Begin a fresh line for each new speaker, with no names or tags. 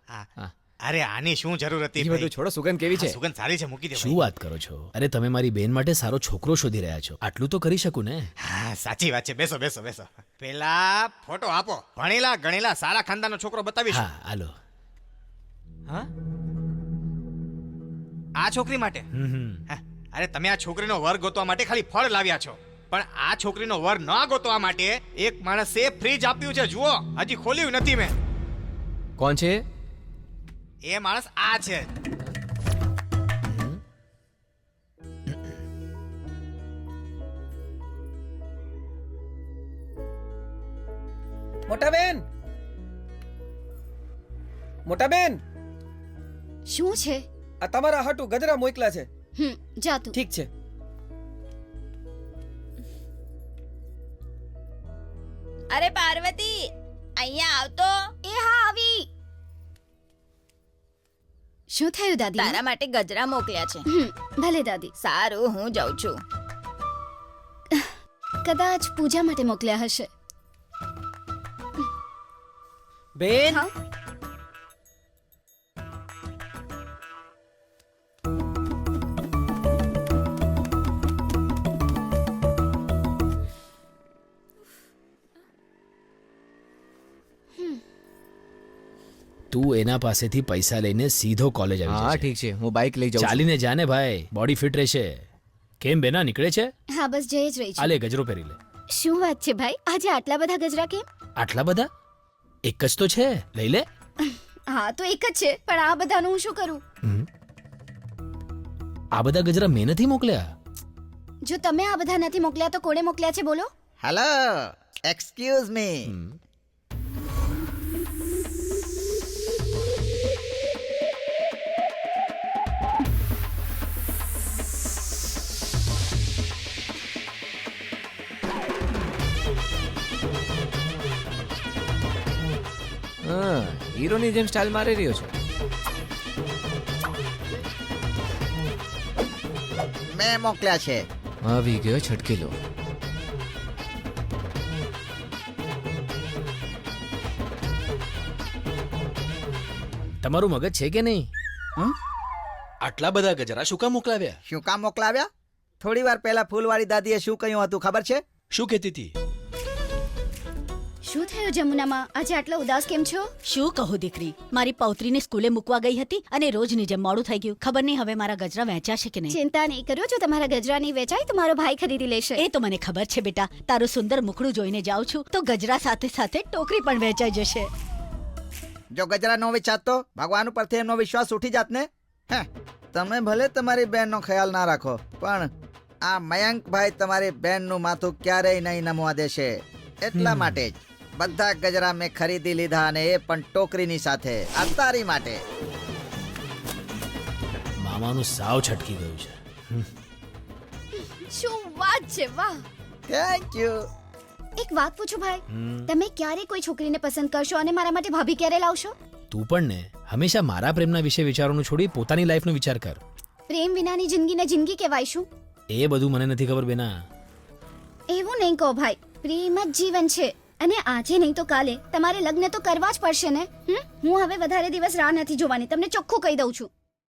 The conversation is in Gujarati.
અરે આની શું જરૂર હતી?
એ બધું છોડો, સુગંધ કેવી છે?
સુગંધ સારી છે, મૂકી દે.
શું વાત કરો છો? અરે તમે મારી બેન માટે સારો છોકરો શોધી રહ્યા છો, આટલું તો કરી શકું ને?
હા સાચી વાત છે. બેસો બેસો બેસો. પેલા ફોટો આપો. ભણેલા ગણેલા સારા ખાનદાનનો છોકરો બતાવીશું.
હા હાલો.
હા આ છોકરી માટે? હા, અરે તમે આ છોકરીનો વર ગોતવા માટે ખાલી ફળ લાવ્યા છો, પણ આ છોકરીનો વર ન ગોતવા માટે એક માણસે ફ્રીજ આપ્યું છે. જુઓ, હજી ખોલ્યું નથી મેં.
કોણ છે?
એ માણસ આ છે.
મોટા બેન, મોટા બેન,
શું છે?
આ તમારા હાટુ ગજરા મોકલા છે.
જા તું.
ઠીક છે.
અરે પાર્વતી, અહીંયા આવતો.
એ હા આવી. શું થયું દાદી?
તારા માટે ગજરા મોકલ્યા છે.
ભલે દાદી.
સારું, હું જાઉં છું.
કદાચ પૂજા માટે મોકલ્યા હશે.
બેન,
હા
તું એના પાસેથી પૈસા લઈને સીધો કોલેજ આવી
હા
જશે.
ઠીક છે, હું બાઇક લઈ જાઉં છું.
ચાલીને જાને ભાઈ, બોડી ફિટ રહેશે. કેમ બેના નીકળે છે?
હા બસ જઈ જ રહી
આ
છું.
લે ગજરો પહેરી લે.
શું વાત છે ભાઈ, આજે આટલા બધા ગજરા કેમ?
આટલા બધા? એક જ તો છે, લઈ લે.
હા તો એક જ છે, પણ આ બધાનું હું શું કરું?
આ બધા ગજરા મેં નથી મોકલ્યા.
જો તમે આ બધા નથી મોકલ્યા તો કોણે મોકલ્યા છે બોલો?
Hello, excuse me.
હા, હીરોની જેમ સ્ટાઇલ મારી રહ્યો છે.
મેં મોકલ્યા છે.
આવી ગયો છટકીલો.
તમારું મગજ છે કે નહીં?
હમ?
આટલા બધા ગજરા શું કામ મોકલાવ્યા?
શું કામ મોકલાવ્યા? થોડી વાર પહેલા ફૂલવાળી દાદીએ શું કહ્યું હતું ખબર છે?
શું કહેતી હતી?
શું થયું જમુનામાં, આજે આટલા ઉદાસ કેમ છો?
શું કહું દીકરી, મારી પૌત્રીને સ્કૂલે મૂકવા ગઈ હતી અને રોજની જેમ મોડું થઈ ગયું. ખબર નહીં હવે મારા ગજરા વહેંચાશે કે નહીં.
ચિંતા નહીં કરો, જો તમારા ગજરા નહીં વેચાય તો મારો ભાઈ ખરીદી લેશે.
એ તો મને ખબર છે બેટા, તારું સુંદર મુખડું જોઈને જાઉં છું તો ગજરા સાથે સાથે ટોકરી પણ વેચાઈ જશે.
જો ગજરા નો વેચાત તો ભગવાન ઉપરથી એમનો વિશ્વાસ ઉઠી જાત ને. હે, તમે ભલે તમારી બહેનનો ખ્યાલ ના રાખો, પણ આ મયંકભાઈ તમારી બહેનનું માથું ક્યારેય નહીં નમવા દેશે. એટલા માટે જ બધા ગજરા મેં ખરીદી લીધા, અને એ પણ ટોકરીની સાથે, આ તારી માટે.
મામાનું સાવ છટકી ગયું છે.
શું વાત છે, વાહ.
Thank you.
એક વાત પૂછું ભાઈ, તમે ક્યારે કોઈ છોકરીને પસંદ કરશો અને મારા માટે ભાભી ક્યારે લાવશો?
તું પણ ને હંમેશા મારા પ્રેમના વિશે વિચારોનું છોડી પોતાની લાઈફનો વિચાર કર.
પ્રેમ વિનાની જિંદગીને જિંદગી કહેવાય શું?
એ બધું મને નથી ખબર બેના.
એવું નહીં કહો ભાઈ, પ્રેમ જ જીવન છે અને આજે નહીં તો કાલે તમારે લગ્ન તો કરવા જ પડશે ને. હું હવે વધારે દિવસ રાહ નથી જોવાની, તમને ચોખ્ખું કહી દઉં છું.